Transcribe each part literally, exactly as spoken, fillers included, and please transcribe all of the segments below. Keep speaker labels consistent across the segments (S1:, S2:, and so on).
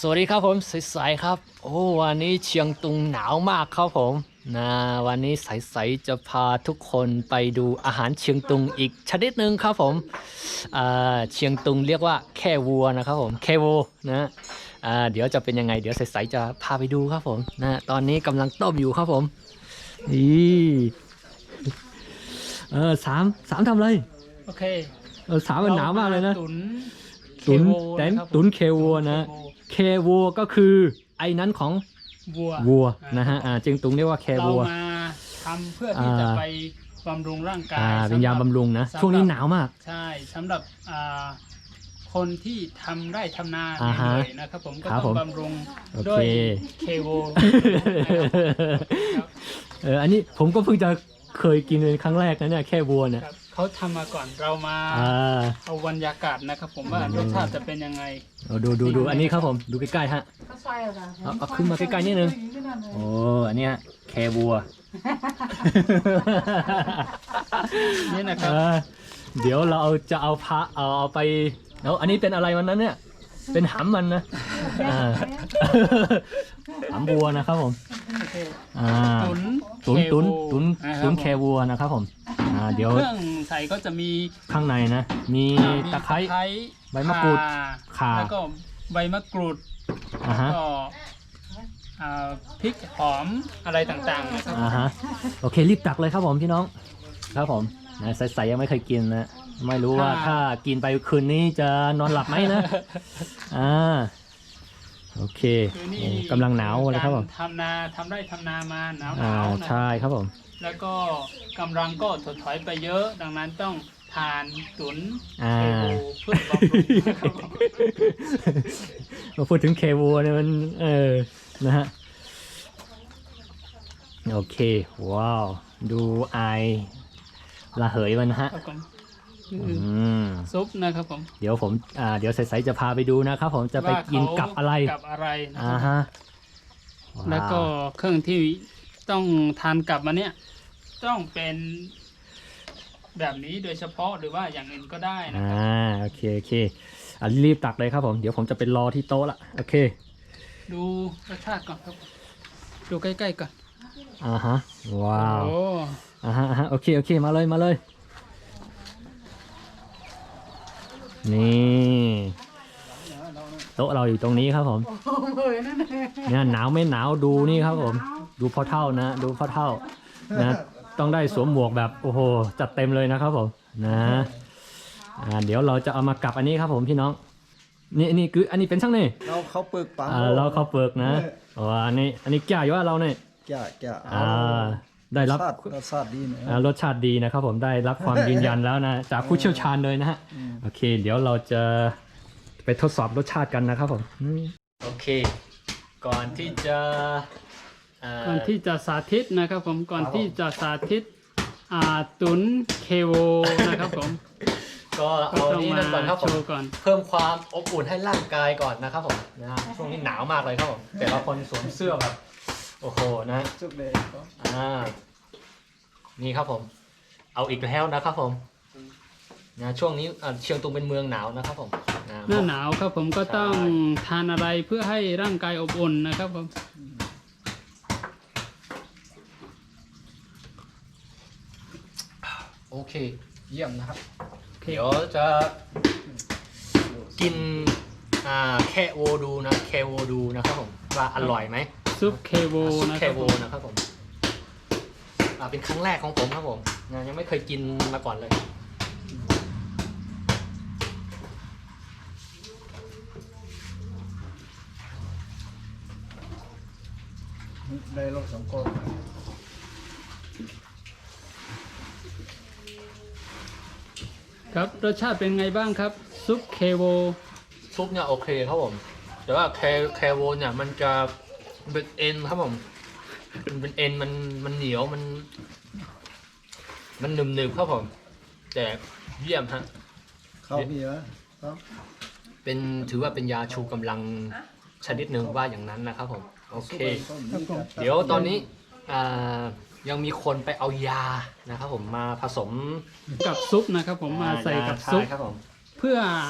S1: วัสดีครับผมใสๆครับโอ้วันนี้เชียงตุงหนาวมากครับผมนะวันนี้ใสๆจะพาทุกคนไปดูอาหารเชียงตุงอีกชนิดหนึ่งครับผมอ่าเชียงตุงเรียกว่าแค่วัวนะครับผมแค่วัวนะอ่าเดี๋ยวจะเป็นยังไงเดี๋ยวใสๆจะพาไปดูครับผมนะตอนนี้กำลังต้มอยู่ครับผมนี่เออสามสามทำอะไร
S2: โอเค
S1: เออสามมันหนาวมากเลยนะ
S2: ตุน
S1: ตุน
S2: เคโว
S1: แตน
S2: นะครับ
S1: ตุนเควัวนะเควัวก็คือไอ้นั้นของ
S2: วัว
S1: วัว
S2: อ่า
S1: นะฮะอ่าจึงตุงเรียกว่าแค
S2: เรา
S1: วัว
S2: มาทำเพื่อที่จะ
S1: อ่า
S2: ไปบำรุงร่างกาย
S1: อ่าเป็นยา
S2: สำห
S1: บำรุงนะ
S2: สำหรับ
S1: ช่วงนี้หนาวมาก
S2: ใช่สำหรับอ่าคนที่ทำไร่ทำนา
S1: อ่าฮะ
S2: เหนื่อยๆนะครับผมก็
S1: ครับ
S2: ต้
S1: ผ
S2: อง
S1: ม
S2: บำรุง
S1: โอเค
S2: ด้วยเคโวนะครับ
S1: เอออันนี้ผมก็เพิ่งจะเคยกินเป็นครั้งแรกนะเนี่ยแค่วัวเนี่ย
S2: ครับเขาทำมาก่อนเรามา
S1: อ่า
S2: เอาบรรยากาศนะครับผมว่ารสชาติจะเป็นยังไง
S1: เอาดูดูดูอันนี้ครับผมดูใกล้ๆฮะเอาเอาขึ้นมาใกล้ๆนิดนึงโอ้อันเนี้ยแควัว
S2: นี่นะครับ
S1: เออเดี๋ยวเราเอาจะเอาพระเอาเอาไปแล้วอันนี้เป็นอะไรวันนั้นเนี่ยเป็นหำมันนะอ่า หำวัวนะครับผม
S2: โอเค
S1: อ่า
S2: ตุน
S1: ตุนตุนตุน
S2: นะค
S1: ตุ
S2: รับ
S1: นแควัวนะครับผมอ่าเดี๋ยว
S2: เครื่องใส่ก็จะมี
S1: ข้างในนะ มีตะไคร้ ใบมะกรูดข่า
S2: แล้วก็ใบมะกรูด
S1: อ่าฮะ
S2: ก็อ่าพริกหอมอะไรต่างๆนะครับ
S1: อ่าฮะโอเครีบตักเลยครับผมพี่น้องครับผมนะใสๆยังไม่เคยกินนะไม่รู้ว่าถ้ากินไปคืนนี้จะนอนหลับไหมนะอ่าโอเค
S2: คือนี่
S1: โอ้กำลังหนาวเลยครับผม
S2: กาทำนาทำไร่ทำนามาหนาวห
S1: อ่าน
S2: าวนะ
S1: ใช่ครับผม
S2: แล้วก็กำลังก็ถดถอยไปเยอะ ดังนั้นต้องทานตุน
S1: อ่า
S2: เคโบเพื่อบำรุงนะครับผม
S1: มาพูดถึงเควัวเนี่ยมันเออนะฮะโอเคว้าวดูไอระเหยมันนะฮะ
S2: ครับผม
S1: อืม
S2: ซุปนะครับผม
S1: เดี๋ยวผมอ่าเดี๋ยวใสๆจะพาไปดูนะครับผมจะไปกินกับอะไร
S2: กับอะไรนะค
S1: อ่า
S2: รับ
S1: ฮะ
S2: แล้วก็เครื่องที่ต้องทานกับมันเนี่ยต้องเป็นแบบนี้โดยเฉพาะหรือว่าอย่างอื่นก็ได้นะ
S1: อ่า
S2: ครับ
S1: โอเคโอเคอ่ะรีบตักเลยครับผมเดี๋ยวผมจะไปรอที่โต๊ะละโอเค
S2: ดูรสชาติก่อนครับดูใกล้ๆก่อน
S1: อ่าฮะว้าว
S2: โอ้
S1: อ่าฮะอ่าฮะโอเคโอเคมาเลยมาเลยนี่โต๊ะเราอยู่ตรงนี้ครับผมเนี่ยหนาวไม่หนาวดูนี่ครับผมดูพ่อเท่านะดูพ่อเท่านะต้องได้สวมหมวกแบบโอ้โหจัดเต็มเลยนะครับผมนะอ่าเดี๋ยวเราจะเอามากับอันนี้ครับผมพี่น้องนี่นี่คืออันนี้เป็นช่างนี่
S3: เราเขาเปิกปัง
S1: อ่าเราเข้าเปลือกนะอ๋ออันนี้อันนี้แก่อยู่ว่าเราเนี่ย
S3: แก่แก่
S1: อ่าได้รับ
S3: รสชาติรสชาติดีนะ
S1: อ่ารสชาติดีนะครับผมได้รับความยืนยันแล้วนะจากผู้เชี่ยวชาญเลยนะฮะโอเค เดี๋ยวเราจะไปทดสอบรสชาติกันนะครับผมอืมโอเค ก่อนที่จะอ่า
S2: ก่อนที่จะสาธิตนะครับผมก่อนที่จะสาธิตอ่าตุนเคโวนะครับผม
S1: ก็
S2: ก็
S1: เอา
S2: ต้อง
S1: นี้
S2: มา
S1: นั่นก่อนครับผ
S2: โช
S1: ม
S2: ว์ก่อน
S1: เพิ่มความอบอุ่นให้ร่างกายก่อนนะครับผมนะฮะช่วงนี้หนาวมากเลยครับผมแต่ละคนสวมเสื้อแบบโอ้โหนะ
S3: จุกเลย
S1: อ่า นี่ครับผม เอาอีกแล้วนะครับผมนะช่วงนี้อ่าเชียงตุงเป็นเมืองหนาวนะครับผมนะ
S2: หน้าหนาวครับผมก็ต้องทานอะไรเพื่อให้ร่างกายอบอุ่นนะครับผม
S1: โอเค เยี่ยมนะครับ
S2: โอเค
S1: เดี๋ยวจะกินอ่าแค่โวดูนะแค่โวดูนะครับผมว่าอร่อยไหม
S2: ซุปเคโว
S1: ซุป
S2: นะ
S1: แค
S2: ครับ
S1: โว
S2: ผม
S1: นะครับผมอ่าเป็นครั้งแรกของผมครับผมนะยังไม่เคยกินมาก่อนเลย
S3: ได้รสสองก้อน
S2: ครับรสชาติเป็นไงบ้างครับซุปเคโว
S1: ซุปเนี่ยโอเคครับผม แต่ว่าแคแคโวเนี่ยมันจะเป็นเอ็นครับผม มันเป็นเอ็นมันมันเหนียวมัน มันหนึบหนึบครับผม แต่เยี่ยมฮะ
S3: ข้าวมีไหมครับ
S1: เป็นถือว่าเป็นยาชูกำลังชนิดหนึ่งว่าอย่างนั้นนะครับผม โอเค เดี๋ยวตอนนี้อ่ายังมีคนไปเอายานะครับผมมาผสม
S2: กับซุปนะครับผมมาใส่กับซุป
S1: ใช่ครับผม
S2: เพื่อ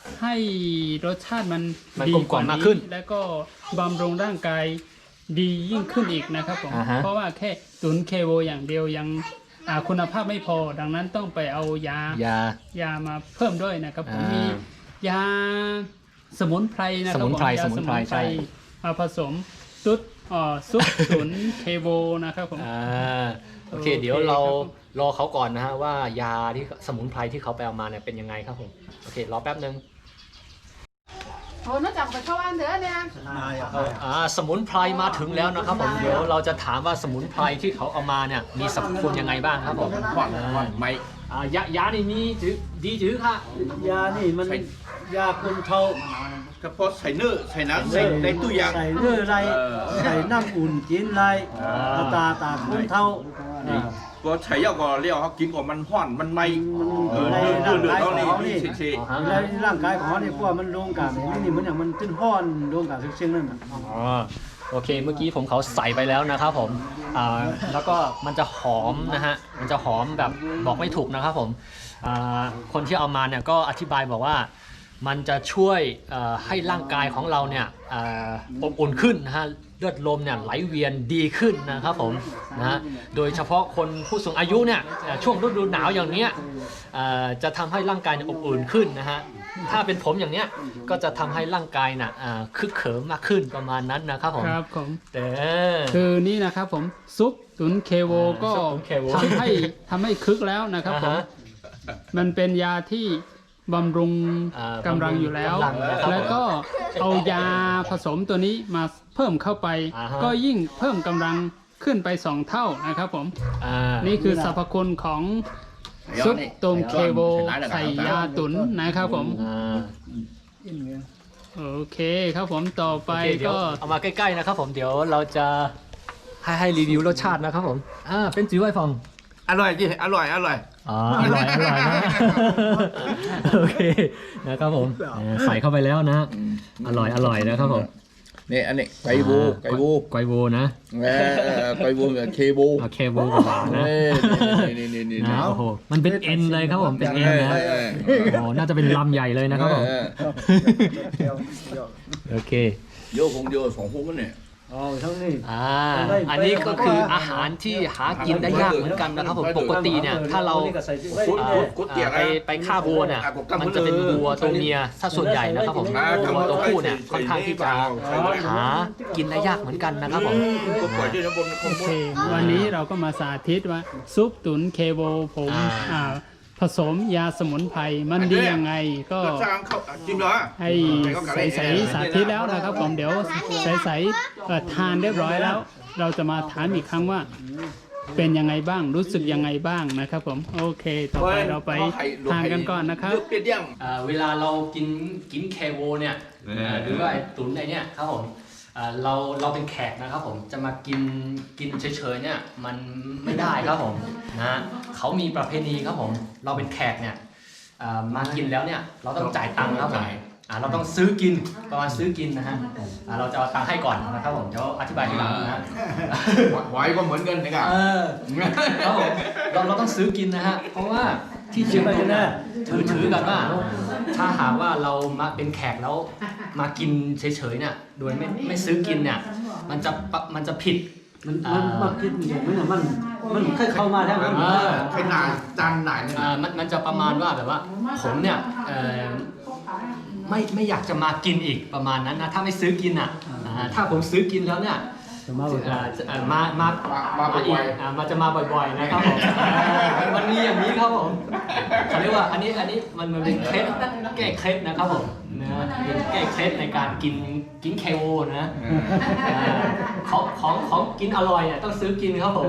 S2: ให้รสชาติมัน
S1: มัน
S2: ดี
S1: กลมกล่อมมากขึ้น
S2: แล้วก็บำรุงร่างกายดียิ่งขึ้นอีกนะครับผม
S1: อ่าฮะ
S2: เพราะว่าแค่ตุนเคโวอย่างเดียวยังอ่าคุณภาพไม่พอ ดังนั้นต้องไปเอายาย
S1: า
S2: ยามาเพิ่มด้วยนะครับผม
S1: อ่ามี
S2: มียาสมุนไพรนะครั
S1: สมุนไพร
S2: ผยา
S1: สมุนไพรใช่
S2: มาผสมซุปอ่อซุปตุนเคโวนะครับผม
S1: อ่าโอเค
S2: โอเค
S1: เดี๋ยวเรา
S2: ครับผม
S1: รอเขาก่อนนะฮะว่ายาที่สมุนไพรที่เขาไปเอามาเนี่ยเป็นยังไงครับผมโอเครอแป๊บนึง
S4: โอ้น่าจะไปเข้าบ้านเถอะเนี่ย
S3: นายอ่ะ
S1: อ่าสมุนไพรมาถึงแล้วนะครับผมเดี๋ยวเราจะถามว่าสมุนไพรที่เขาเอามาเนี่ยมีสรรพคุณยังไงบ้างครับผม
S5: หวานหวานไหม
S1: อ่ายายานี่มีจือดีจือค่ะ
S6: ยานี่มันยาคนเทา
S5: ก็เพราะใส่เนื้อใส่น้ำใส่ในตู้ยาง
S6: ใส่เนื้อไร
S5: เออ
S6: ใส่น้ำอุ่นกินไรเอาตาตาคนเทาอ่า
S5: ก็ใช้ยาก่อนเรียกเขากินก่อนมันห้อนมันไหมเออ
S6: ใน
S5: เดือดเดือด
S6: ร่าง
S5: เดือด
S6: กาย
S5: เขา
S6: ของ
S5: นี่
S6: เขานี่
S5: เฉย
S1: อ๋อ
S6: ใน
S1: ฮะ
S6: ร่างกายของเขาเนี่ยพวกมันโดนกันนี่นี่มันอย่างมันขึ้นห้อนโดนกันเชียงๆนั่นน่ะ
S1: อ๋อโอเคเมื่อกี้ผมเขาใส่ไปแล้วนะครับผมอ่าแล้วก็มันจะหอมนะฮะมันจะหอมแบบบอกไม่ถูกนะครับผมอ่าคนที่เอามาเนี่ยก็อธิบายบอกว่ามันจะช่วยเอ่อให้ร่างกายของเราเนี่ยอ่าอบอุ่นขึ้นนะฮะเลือดลมเนี่ยไหลเวียนดีขึ้นนะครับผมนะฮะโดยเฉพาะคนผู้สูงอายุเนี่ยเอ่อช่วงฤดูหนาวอย่างเนี้ยเอ่อจะทำให้ร่างกายเนี่ยอบอุ่นขึ้นนะฮะถ้าเป็นผมอย่างเนี้ยก็จะทำให้ร่างกายน่ะอ่าคึกเขิมมากขึ้นประมาณนั้นนะครับผม
S2: ครับผม
S1: แต่
S2: คือนี่นะครับผมซุปตุนเคโวก็
S1: ซุปตุ๋นเคโว
S2: ทำให้ทำให้คึกแล้วนะครับผม
S1: อ่าฮะ
S2: มันเป็นยาที่บำรุง
S1: อ่าก
S2: ำลังอยู่แล้ว
S1: กำลังนะครับ
S2: แล้วก็เอายาผสมตัวนี้มาเพิ่มเข้าไป
S1: อ่าฮะ
S2: ก็ยิ่งเพิ่มกำลังขึ้นไปสองเท่านะครับผม
S1: อ่า
S2: นี่คือสรรพคุณของ
S5: ๆ
S2: ซุปตุนเคโว
S5: ใส่
S2: ใส่
S5: ร้าย
S2: ยาตุนนะครับผม
S1: อ่า
S3: อินไง
S2: โอเคครับผมต่อไป
S1: โอเคเดี๋ยว
S2: ก็
S1: เอามาใกล้ๆนะครับผมเดี๋ยวเราจะให้ให้รีวิวรสชาตินะครับผมอ่าเป็นจื้อไวฟอง
S5: อร่อยจริงอร่อยอร่อย
S1: อ๋ออร่อยอร่อยนะโอเคนะครับผมเออใส่เข้าไปแล้วนะ อร่อยอร่อยนะครับผม
S5: นี่อันนี้ไก่บูไก่บู
S1: ไกวโวนะ
S5: เออไก่บูกับเคบู
S1: โอเคโวกับหวานนะ
S5: นี่นี่นี่
S1: นะโอ้โหมันเป็นเอ็นเลยครับผมเป็นเอ็นนะ
S5: เออ
S1: โอ้โหน่าจะเป็นลำใหญ่เลยนะครับผม
S5: เออ
S3: เที่ยวเที่ยว
S1: โอเค
S5: โยกคงโยกสองพวกกันเนี่ย
S6: เอาทั้งนี้
S1: อ่าอันนี้ก็คืออาหารที่หากินได้ยากเหมือนกันนะครับผมปกติเนี่ยถ้าเรา
S5: กุ๊ด
S1: อ่า
S5: กุ๊ดกุ๊ดเตี๋ย
S1: ไปไปฆ่าวัวเนี่ยมันจะเป็นวัวตัวเมียถ้าส่วนใหญ่นะครับผมวัวตัวผู้เนี่ยค่อนข้างที่จะหากินได้ยากเหมือนกันนะครับผม
S5: ก็ปล่อยที่น้ำบนข้าง
S2: โอบ เค
S5: น
S2: วันนี้เราก็มาสาธิตว่าซุปตุนเคโวผม
S1: อ่า
S2: อ่าผสมยาสมุนไพรมันดียังไงก็
S5: ก็สร้างเขาจิ้มเหรอ
S2: ให้ใสใสๆสาธิตแล้วนะครับผมเดี๋ยวใสใสๆเอ่อทานเรียบร้อยแล้ว เราจะมาถามอีกครั้งว่า เป็นยังไงบ้างรู้สึกยังไงบ้างนะครับผมโอเค ต่อไปเราไปทานกันก่อนนะครับ
S5: เลือกเปรี้ยวยัง
S1: อ่าเวลาเรากินกินเคโวเนี่ย
S5: เออ
S1: เอ่อหรือว่าไอ้ตุ๋นไอ้เนี่ยครับผมอ่าเราเราเป็นแขกนะครับผมจะมากินกินเฉยๆเนี่ยมันไม่ได้ครับผมนะเขามีประเพณีครับผมเราเป็นแขกเนี่ยอ่ามากินแล้วเนี่ยเราต้องจ่ายตังค์ครับผมอ่าเราต้องซื้อกินประมาณซื้อกินนะฮะอ่าเราจะเอาตังค์ให้ก่อนนะครับผมเดี๋ยวอธิบายทีหลังนะ
S5: หวายก็เหมือนกันนะครับ
S1: เออครับผมเราเราต้องซื้อกินนะฮะเพราะว่าที่เชียงตุงเนี่ยถือถือกันว่า ถ้าหากว่าเรามาเป็นแขกแล้วมากินเฉยๆเนี่ยโดยไม่ไม่ซื้อกินเนี่ยมันจะปะมันจะผิด
S6: มันมันมันคิดอย่างนั้นน่ะมันมันเคยเข้ามาแล้วมัน
S1: เออ
S5: ขนาดจานไหนเนี่ย
S1: อ่ามันมันจะประมาณว่าแบบว่าผมเนี่ยเอ่อไม่ไม่อยากจะมากินอีกประมาณนั้นนะถ้าไม่ซื้อกินอ่ะอ่าถ้าผมซื้อกินแล้วเนี่ย
S6: จะมาบอก
S1: เอ่อจะเอ่อมามา
S5: มาบ่
S1: อี
S5: อก ย
S1: อ่ามาจะมาบ่อยๆนะครับผมมันมีอย่างนี้ครับผมเขาเรียกว่าอันนี้อันนี้มันมันเป็นเคล็ดแก้เคล็ดนะครับผมนะเป็นแก้เคล็ดในการกินกินเคโอนะอ่าของของของกินอร่อยอ่ะต้องซื้อกินครับผม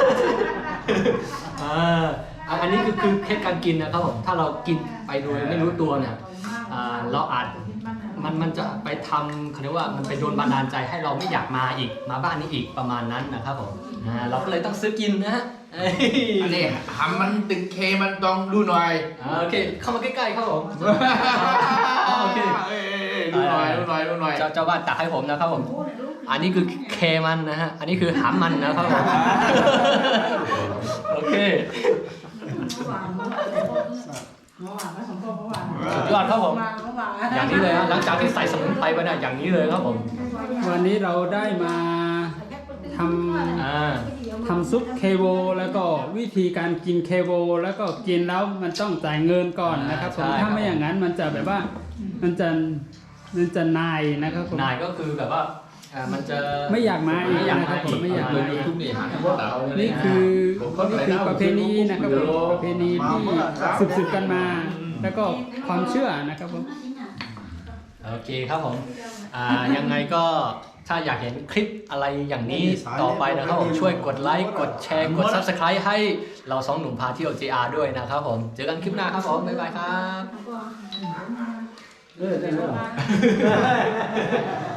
S1: อ่าอ่ะอันนี้คือคือเคล็ดการกินนะครับผมถ้าเรากินไปโดยไม่รู้ตัวเนี่ยอ่าเราอาจมันมันจะไปทำเขาเรียกว่ามันไปโดนบันดาลใจให้เราไม่อยากมาอีกมาบ้านนี้อีกประมาณนั้นนะครับผมอ่าเราก็เลยต้องซื้อกินนะฮะเอ้ย
S5: อันนี้หำมันตึงเคมันต้องดูหน่อย
S1: อ่าโอเคเข้ามาใกล้ๆครับผมอ่าโอเค
S5: เอ้ยดูหน่อยดูหน่อยดูหน่อย
S1: เจ้าเจ้าบ้านตักให้ผมนะครับผม อันนี้คือเคมันนะฮะ อันนี้คือหามมันนะครับผม โอเคสุดยอดครับผม อย่างนี้เลยฮะหลังจากที่ใส่สมุนไพรไปเนี่ยอย่างนี้เลยครับผม
S2: วันนี้เราได้มาทำ
S1: อ่า
S2: ทำซุปเคโวแล้วก็วิธีการกินเคโวแล้วก็กินแล้วมันต้องจ่ายเงินก่อนนะครับผมถ้าไม่อย่างนั้นมันจะแบบว่ามันจะมันจะนายนะครับผม
S1: นายก็คือแบบว่าอ่ามันจะ
S2: ไม่อยากมาอีก
S1: ไม่อยาก
S2: นะค
S1: มา
S2: รับผ
S1: อี
S2: ม
S1: ก
S2: ไม่อยากมาอีก
S1: นี่
S2: นี่คือนี่คือประเพณีนะครับผมประเพณีที่สืบๆกันมา แล้วก็ความเชื่อนะครับผม
S1: โอเคครับผมอ่ายังไงก็ถ้าอยากเห็นคลิปอะไรอย่างนี้ต่อไปนะครับผมช่วยกดไลค์กดแชร์กด ซับสไครบ์ ให้เราสองหนุ่มพาเที่ยว เจ อาร์ ด้วยนะครับผมเจอกันคลิปหน้าครับผมบ๊ายบายครับ
S6: เออได้แล้ว